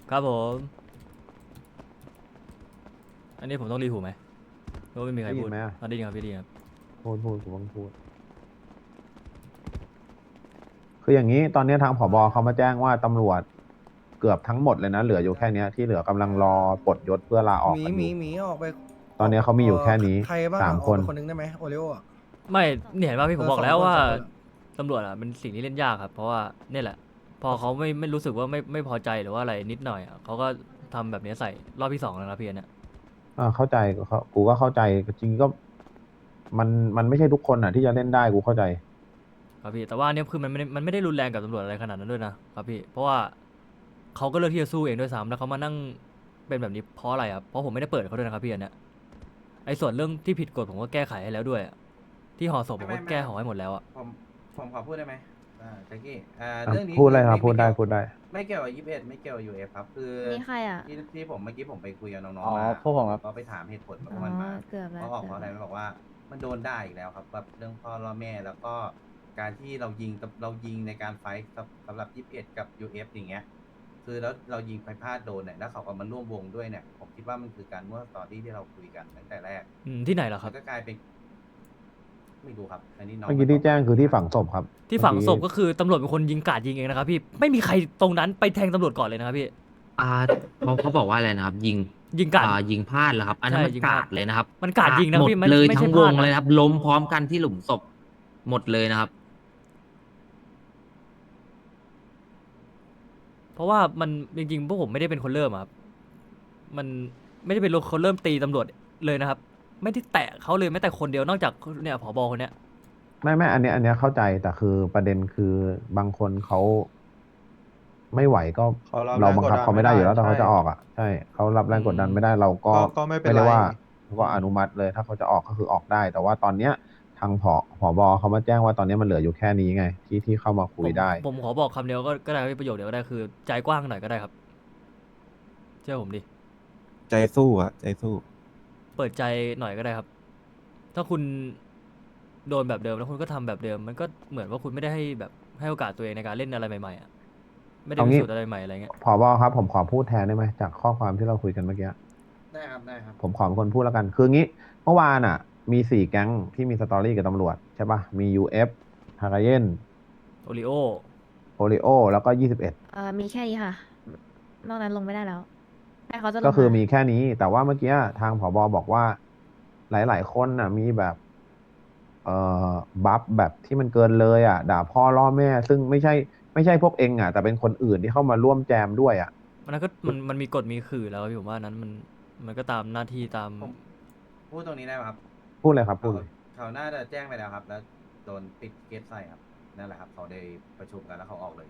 ครับผมอันนี้ผมต้องรีหูไหมหรือว่าไม่มีใครพูดได้ยินไหมอะได้ยินครับพี่ได้ยินครับพูดกูต้องพูดคืออย่างนี้ตอนนี้ทางผบเขามาแจ้งว่าตำรวจเกือบทั้งหมดเลยนะเหลืออยู่แค่เนี้ยที่เหลือกำลังรอปลดยศเพื่อลาออกกันอยู่หมีออกไปตอนนี้เขามีอยู่แค่นี้ใครบ้างสามคนออกไปคนนึงได้ไหมโอริโออะไม่เนี่ยเห็นป่ะพี่ผมบอกแล้วว่าสองคนอะตำรวจอ่ะเป็นสิ่งที่เล่นยากครับเพราะว่าเนี่ยแหละพอเขาไม่รู้สึกว่าไม่พอใจหรือว่าอะไรนิดหน่อยอะเขาก็ทำแบบนี้ใส่รอบที่สองแล้วนะพี่อันเนี่ยเข้าใจกูก็เข้าใจจริงๆก็มันมันไม่ใช่ทุกคนอ่ะที่จะเล่นได้กูเข้าใจครับพี่แต่ว่าอันเนี่ยคือมันไม่ได้รุนแรงกับตำรวจอะไรขนาดนั้นด้วยนะครับพี่เพราะว่าเขาก็เลือกที่จะสู้เองด้วยซ้ำแล้วเขามานั่งเป็นแบบนี้เพราะอะไรครับเพราะผมไม่ได้เปิดเขาด้วยนะครับพี่อันเนี่ยไอ้ส่วนเรื่องที่ผิดกฎผมก็แก้ไขให้แล้วด้วยอะที่ห่อศพผมก็แก้ห่อให้หมดแล้วอ่ะผมผมขอพูดได้ไหมแจ็คกี้อ่ะเรื่องนี้พูดเลยครับไม่เกี่ยวพูดได้ไม่เกี่ยวกับ21ไม่เกี่ยวกับUF ครับคือนี่ใครอ่ะที่ผมเมื่อกี้ผมไปคุยกับน้องอ๋อๆมาพวกผมครับก็ไปถามเหตุผลขอ๋อองมันมาเกือบแล้วเขาออกเพเกือบแล้วราะอะไรมันบอกว่ามันโดนได้อีกแล้วครับแบบเรื่องพ่อล่อแม่แล้วก็การที่เรายิงในการไฟท์สำหรับ21กับ UF อย่างเงี้ยคือแล้วเรายิงไปพลาดโดนเนี่ยแล้วเขาก็มาร่วมวงด้วยเนี่ยผมคิดว่ามันคือการมั่วสตอรี่ที่เราคุยกันตั้งแต่แรกที่ไหนเหรอคมัรับนก็กลายเป็นไม่รู้ครับอันนี้น้องเมื่อกี้ที่แจ้งคือที่ฝังศพครับที่ฝังศพก็คือตำรวจเป็นคนยิงกราดยิงเองนะครับพี่ไม่มีใครตรงนั้นไปแทงตำรวจก่อนเลยนะครับพี่อ่าเขาบอกว่าอะไรนะครับยิงยิงกราดยิงพลาดเหรอครับอันนั้นมันกาใช่ยิงพลาดดเลยนะครับมันกราดยิงนะหมดพี่เลยไม่ทั้งวงใช่พลาดนะเลยนะครับล้มพร้อมกันที่หลุมศพหมดเลยนะครับเพราะว่ามันจริงๆพวกผมไม่ได้เป็นคนเริ่มอะครับมันไม่ได้เป็นคนเริ่มตีตำรวจเลยนะครับไม่ได้แตะเขาเลยแม้แต่คนเดียวนอกจากเนี่ยผบคนเนี้ยไม่อันเนี้ยเข้าใจแต่คือประเด็นคือบางคนเขาไม่ไหวก็เขารับเราบังคับเขาไม่ได้อยู่แล้วแต่เขาใช่จะออกอ่ะใช่เขารับแรงกดดันไม่ได้เราก็ก็ไม่เป็นไรได้ว่าก็อนุมัติเลยถ้าเขาจะออกก็คือออกได้ แต่ว่าตอนเนี้ยทางผบเขามาแจ้งว่าตอนนี้มันเหลืออยู่แค่นี้ไงที่เข้ามาคุยได้ผมขอบอกคำเดียวก็ได้ประโยคเดียวก็ได้คือใจกว้างหน่อยก็ได้ครับเชื่อผมดิใจสู้อะใจสู้เปิดใจหน่อยก็ได้ครับ ถ้าคุณโดนแบบเดิมแล้วคุณก็ทำแบบเดิม มันก็เหมือนว่าคุณไม่ได้ให้แบบให้โอกาสตัวเองในการเล่นอะไรใหม่ๆอ่ะไม่ได้เอางี้พิสูจน์อะไรใหม่อะไรเงี้ยผบครับผมขอพูดแทนได้ไหมจากข้อความที่เราคุยกันเมื่อกี้ได้ครับได้ครับผมขอเป็นคนพูดแล้วกันคืองี้เมื่อวานอ่ะมี4 แก๊งที่มีสตอรี่กับตำรวจใช่ปะมี UF ฮากาเยนโอริโอโอริโอแล้วก็21 มีแค่นี้ค่ะนอกนั้นลงไม่ได้แล้วแต่เขาจะลงก็คือมีาแค่นี้แต่ว่าเมื่อกี้ทางผบบอกว่าหลายๆคนน่ะมีแบบเอ่อบัฟแบบที่มันเกินเลยอ่ะด่าพ่อล่อแม่ซึ่งไม่ใช่พวกเองอ่ะแต่เป็นคนอื่นที่เข้ามาร่วมแจมด้วยอ่ะมันนั้นก็มันมีกฎมีขื่อแล้วพี่ผมว่านั้นมันก็ตามหน้าที่ตามผมพูดตรงนี้ได้ไหมครับพูดเลยครับพูเขาดเลยเขาน่าจะแจ้งไปแล้วครับ แล้วโดนติดเกตใส่ครับนั่นแหละครับเขาได้ประชุมกันแล้วเขาออกเลย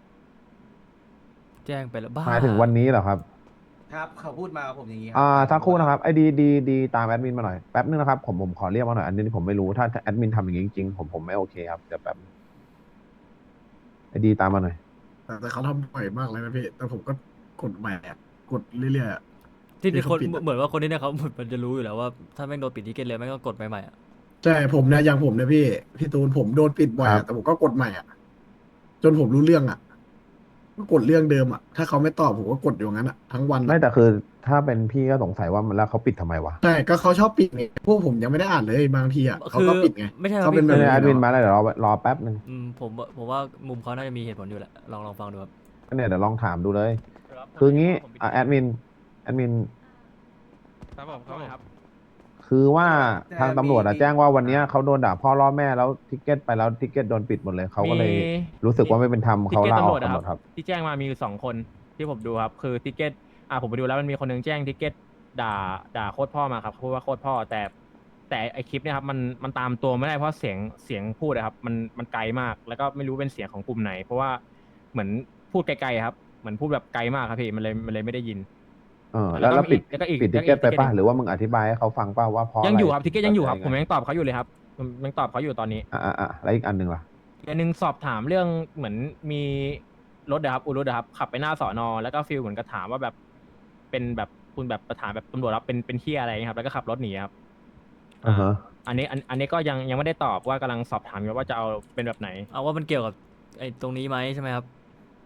แจ้งไปแล้วบ้าหมายถึงวันนี้เหรอครับครับเขาพูดมากับผมอย่างนี้ครัสักครู่นะครับไอ้ดีตามแอดมินมาหน่อยแป๊บนึงนะครับผมขอเรียกมาหน่อยอันนี้ผมไม่รู้ถ้าแอดมินทำอย่างนี้จริงๆผมไม่โอเคครับเดี๋ยวแป๊บไอ้ดีตามมาหน่อยแต่เขาทำบ่อยมากเลยนะพี่ แต่ผมก็กดใหม่อะกดเรื่อยๆอะที่คนที่เขาปิดอะเหมือนว่าคนนี้เนี่ยเขามันจะรู้อยู่แล้วว่าถ้าแม่งโดนปิดทิเก็ตเลยแม่งก็กดใหม่ๆอ่ะใช่ผมเนี่ยอย่างผมเนี่ยพี่ตูนผมโดนปิดบ่อยครัอะบแต่ผมก็กดใหม่อะจนผมรู้เรื่องอะก็กดเรื่องเดิมอะถ้าเขาไม่ตอบผมก็กดอยู่งั้นอะทั้งวันไม่อะแต่คือถ้าเป็นพี่ก็สงสัยว่ามันแล้วเขาปิดทำไมวะใช่ก็เขาชอบปิดไงพวกผมยังไม่ได้อ่านเลยบางทีอะเขาคือก็ปิดไงไม่ใช่ครับเขาเป็นพี่แบบไม่นี้ได้แอดมินเนาะมาแล้วเดี๋ยวรอแป๊บนึงผมว่ามุมเขาน่าจะมีเหตุผลอยู่แหละลองฟังดูครับก็เนี่ยเดี๋ยวลองถามดูเลย คืองี้แอดมินครับผมครับคือว่าแต่ทางตำรวจอะมีแจ้งว่าวันเนี้ยเขาโดนด่าพ่อล่อแม่แล้วทิกเก็ตไปแล้วทิกเก็ตโดนปิดหมดเลยเขาก็เลยรู้สึกว่าไม่เป็นธรรมเขาลาออกกันหมดครับที่แจ้งมามีอยู่2 คนที่ผมดูครับคือทิกเก็ตผมไปดูแล้วมันมีคนนึงแจ้งทิกเก็ตด่าโคตรพ่อมาครับพูดว่าโคตรพ่อแต่ไอคลิปเนี่ยครับมันตามตัวไม่ได้เพราะเสียงพูดอะครับมันไกลมากแล้วก็ไม่รู้เป็นเสียงของกลุ่มไหน เพราะว่าเหมือนพูดไกลๆครับเหมือนพูดแบบไกลมากครับพี่มันเลยไม่ได้ยินแล้วปิดแล้วก็อีกปิดทิกเก็ตไปป่ะหรือว่ามึงอธิบายให้เขาฟังป่ะว่าเพราะยังอยู่ะไครับทิกเก็ตยังอยู่ครับะผมไยังตอบเขาอยู่เลยครับผมยังตอบเขาอยู่ตอนนี้แล้วอีกอันหนึ่งล่ะอันนึงสอบถามเรื่องเหมือนมีรถนะครับอุรุนะครับขับไปหน้าสอนอแล้วก็ฟิลเหมือนกับถามว่าแบบเป็นแบบคุณแบบประถามแบบตำรวจรับเป็นเที่ยอะไรเงี้ยครับแล้วก็ขับรถหนีครับอ่าฮะอันนี้ก็ยังไม่ได้ตอบว่ากำลังสอบถามอยู่ว่าจะเอาเป็นแบบไหนเอาว่ามันเกี่ยวกับไอ้ตรงนี้ไหมใช่ไหมครับ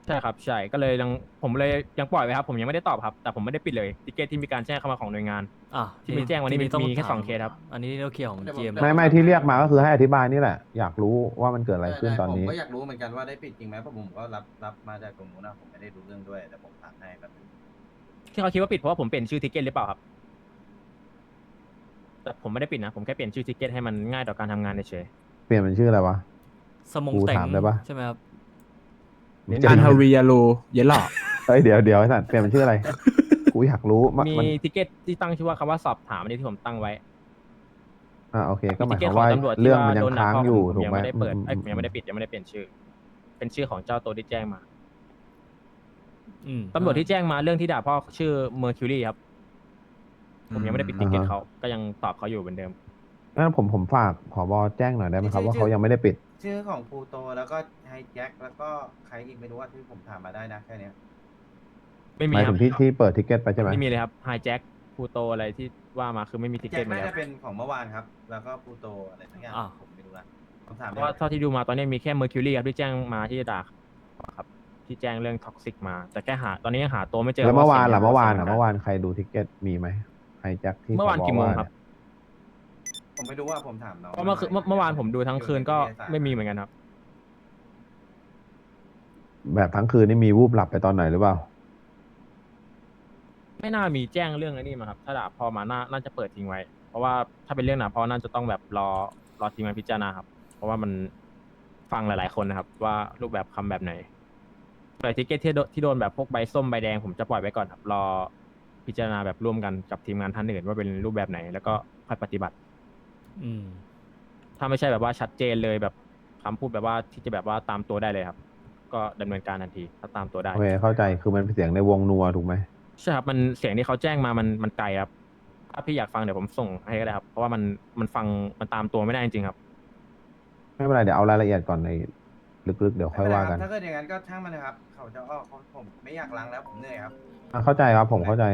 ใช่ครับใช่ก็เลยผมเลยยังปล่อยไว้ครับผมยังไม่ได้ตอบครับแต่ผมไม่ได้ปิดเลยทิเกตที่มีการแจ้งเข้ามาของหน่วยงานอ่ะที่มีแจ้งวันนี้ต้องมีแค่ถาสองเคสครับอันนี้เราเคลียร์ของ GM ไม่ที่เรียกมาก็คือให้อธิบายนี่แหละ อยากรู้ว่ามันเกิดอะไรขึ้นตอนนี้ผมก็อยากรู้เหมือนกันว่าได้ปิดจริงไหมเพราะผมก็รับมาจากตรงนู้นนะผมไม่ได้รู้เรื่องด้วยแต่ผมถามให้แบบนึงที่เขาคิดว่าปิดเพราะว่าผมเปลี่ยนชื่อทิเกตหรือเปล่าครับแต่ผมไม่ได้ปิดนะผมแค่เปลี่ยนชื่อทิเกตให้มันง่ายต่อการทำงานเฉยเปลี่ยนเป็นชื่ออะไรวะสมงกูแต่งถามได้ปะใช่ไหมครับอันฮาริยาโลเยลล่อเฮ้ยเดี๋ยวไอ้สัตว์เปลี่ยนเป็นชื่ออะไร กูอยากรู้มีมันทิเกตที่ตั้งชื่อว่าคำว่าสอบถามอันนี้ที่ผมตั้งไว้โอเค ก็หมีมายทิคเกตวามของว่าตำรวจเรื่ที่องว่ามันยัโดงนค้างพ่ออยู่ผมถูกยังไหมไม่ได้เปิดอืมผมยังไม่ได้ปิดยังไม่ได้เปลี่ยนชื่อ เป็นชื่อของเจ้าตัวที่แจ้งมาอืมตำรวจที่แจ้งมาเรื่องที่ด่าพ่อชื่อเมอร์คิวรีครับผมยังไม่ได้ปิดทิเกตเขาก็ยังตอบเขาอยู่เหมือนเดิมงั้นผมฝากผบแจ้งหน่อยได้ไหมครับว่าเขายังไม่ได้ปิดชื่อของพลูโตแล้วก็ไฮแจ็คแล้วก็ใครอีกไม่รู้ว่าที่ผมถามมาได้นะแค่เนี้ยไม่หมีมายครัถึบงที่เปิดทิกเก็ตไปใช่ไหมไม่มีเลยครับไฮแจ็คพูโตอะไรที่ว่ามาคือไม่มีทิเกแจ็ตคมาน่าเลยคจะรับเป็นของเมื่อวานครับ แล้วก็พลูโตอะไรทั้งอย่างอ่ะผมไม่รู้ละผมถามเพได้ราะว่าเท่าที่ดูมาตอนนี้มีแค่เมอร์คิวรีครับที่แจ้งมาที่ด่าครับที่แจ้งเรื่องท็อกซิกมา แต่แค่ตอนนี้ยังหาตัวไม่เจอแล้วเมื่อวานสียงล่ะเมื่อวานสียงเมื่อวานใครดูทิกเก็ตมีไหมไฮแจ็คที่เมื่อวานผบกี่โมงครับผมไม่รู้ว่าผมถามน้องเพราะเมื่อวานผมดูทั้งคืนก็ไม่มีเหมือนกันครับแบบทั้งคืนนี่มีวูบหลับไปตอนไหนหรือเปล่าไม่น่ามีแจ้งเรื่องไอ้นี้มาครับถ้าด่าพอมาน่าจะเปิดทิ้งไว้ เพราะว่าถ้าเป็นเรื่องด่าพอน่าจะต้องแบบรอทีมงานพิจารณาครับ เพราะว่ามันฟังหลาย ๆ คนนะครับ ว่ารูปแบบคำแบบไหนแต่ทิเกตที่โดนแบบพวกใบส้มใบแดงผมจะปล่อยไว้ก่อนครับรอพิจารณาแบบร่วมกันกับทีมงานท่านอื่นว่าเป็นรูปแบบไหน แล้วก็ค่อยปฏิบัติอืมถ้าไม่ใช่แบบว่าชัดเจนเลยแบบคำพูดแบบว่าที่จะแบบว่าตามตัวได้เลยครับ ก็ดำเนินการทันทีถ้าตามตัวได้โอเคเข้าใจคือมันเป็นเสียงในวงนัวถูกไหมใช่ครับมันเสียงที่เขาแจ้งมามันไกลครับ ถ้าพี่อยากฟังเดี๋ยวผมส่งให้ก็ได้ครับ เพราะว่ามันฟังมันตามตัวไม่ได้จริงๆครับไม่เป็นไรเดี๋ยวเอารายละเอียดก่อนในลึกๆเดี๋ยวค่อยว่ากันถ้าเกิดอย่างนั้นก็ช่างมันเลยครับ เขาจะออกผมไม่อยากล้างแล้วผมเหนื่อยครับเข้าใจครับผมเข้าใจ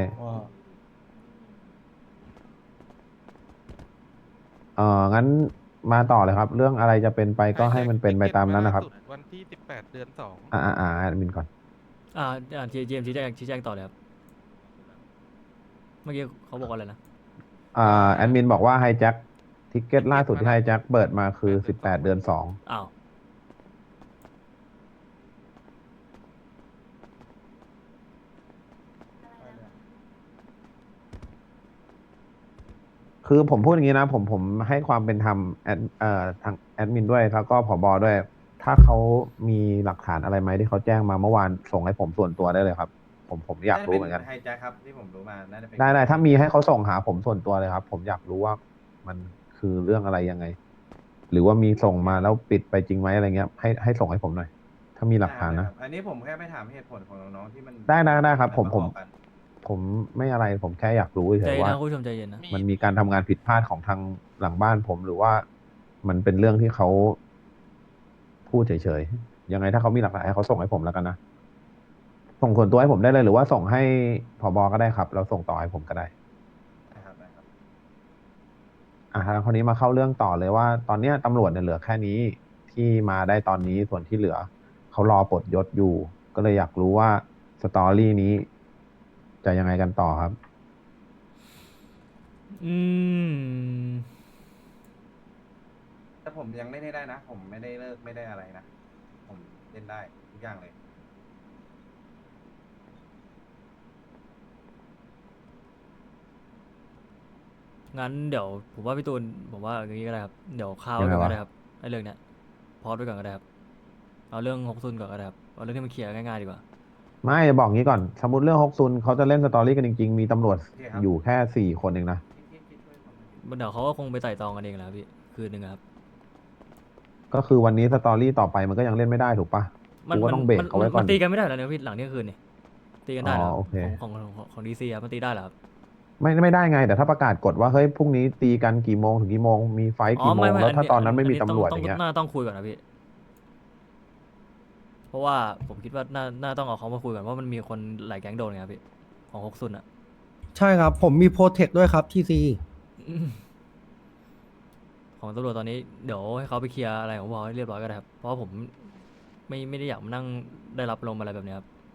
งั้นมาต่อเลยครับ เรื่องอะไรจะเป็นไปก็ให้มันเป็นไปตามนั้นนะครับวันที่18 เดือน 2 แอดมินก่อน GM ชี้แจงต่อเลยครับ เมื่อกี้เขาบอกว่าอะไรนะแอดมินบอกว่าไฮแจ็คทิกเก็ตล่าสุดที่ไฮแจ็คเปิดมาคือ18 เดือน 2 อ้าวคือผมพูดอย่างนี้นะผมให้ความเป็นธรรมทางแอดมินด้วยแล้วก็ผบด้วย ถ้าเขามีหลักฐานอะไรไหมที่เขาแจ้งมาเมื่อวานส่งให้ผมส่วนตัวได้เลยครับ ผมอยากรู้เหมือนกันไฮแจ็คครับที่ผมรู้มาน่าจะเป็นได้ถ้ามีให้เขาส่งหาผมส่วนตัวเลยครับ ผมอยากรู้ว่ามันคือเรื่องอะไรยังไง หรือว่ามีส่งมาแล้วปิดไปจริงไหมอะไรเงี้ยให้ส่งให้ผมหน่อย ถ้ามีหลักฐานนะอันนี้ผมแค่ไปถามเหตุผลของน้องๆที่มันได้ครับผมบอกกันผมไม่อะไรผมแค่อยากรู้เฉใจยเย็นๆว่านะคุณผู้ชมใจเย็นนะมันมีการทำงานผิดพลาดของทางหลังบ้านผมหรือว่ามันเป็นเรื่องที่เขาพูดเฉยๆยังไงถ้าเขามีหลักฐานให้เขาส่งให้ผมแล้วกันนะส่งส่วนตัวให้ผมได้เลยหรือว่าส่งให้ผบก็ได้ครับแล้วส่งต่อให้ผมก็ได้นะครับทางคนนี้มาเข้าเรื่องต่อเลยว่า ตอนเนี้ยตำรวจเนี่ยเหลือแค่นี้ที่มาได้ตอนนี้ส่วนที่เหลือเขารอปลดยศอยู่ ก็เลยอยากรู้ว่าสตอรี่นี้จะยังไงกันต่อครับอืมแต่ผมยังเล่นให้ได้นะ ผมไม่ได้เลิกไม่ได้อะไรนะ ผมเล่นได้ทุกอย่างเลยงั้นเดี๋ยวผมว่าพี่ตูนผมว่าอย่างนี้ก็ได้ครับ เดี๋ยวข้าวยังไงก่อนวะก็ได้ครับไอ้เรื่องเนี้ยพอดไว้ก่อนก็ได้ครับ เอาเรื่องฮกซุนก่อนก็ได้ครับ เอาเรื่องที่มันเคลียร์ง่ายๆดีกว่าไม่บอกงี้ก่อน สมมติเรื่องฮกซุนเขาจะเล่นสตอรี่กันจริงๆ มีตำรวจโอเคครับอยู่แค่4 คนเองนะที่ช่วยผมหน่อยเดี๋ยวเขาก็คงไปไต่ตองกันเองแหละครับพี่ คืนหนึ่งอะครับก็คือวันนี้สตอรี่ต่อไปมันก็ยังเล่นไม่ได้ถูกปะ กูก็ต้องเบรกเอาไว้ก่อนมันตีกันไม่ได้แล้วเนี่ยพี่หลังเที่ยงคืนนี่ตีกันได้เหรออ๋อโอเคของดีซีครับมันตีได้เหรอครับไม่ได้ไง แต่ถ้าประกาศกฎว่าเฮ้ยพรุ่งนี้ตีกันกี่โมงถึงกี่โมงมีไฟท์กี่โมงแล้วถ้าตอนนั้นไม่มีตำรวจอย่างเงี้ยน่าต้องคุยก่อนนะพี่ เพราะว่าผมคิดว่าน่าต้องเอาเขามาคุยก่อนว่ามันมีคนหลายแก๊งโดนไงครับพี่ของฮกซุนอะใช่ครับ ผมมีโปรเทคด้วยครับทีซีอืมของตำรวจตอนนี้เดี๋ยวให้เขาไปเคลียร์อะไรของผมให้เรียบร้อยก็ได้ครับ เพราะว่าผมไม่ได้อยากมานั่งได้รับลมณ์อะไรแบบเนี้ยครับ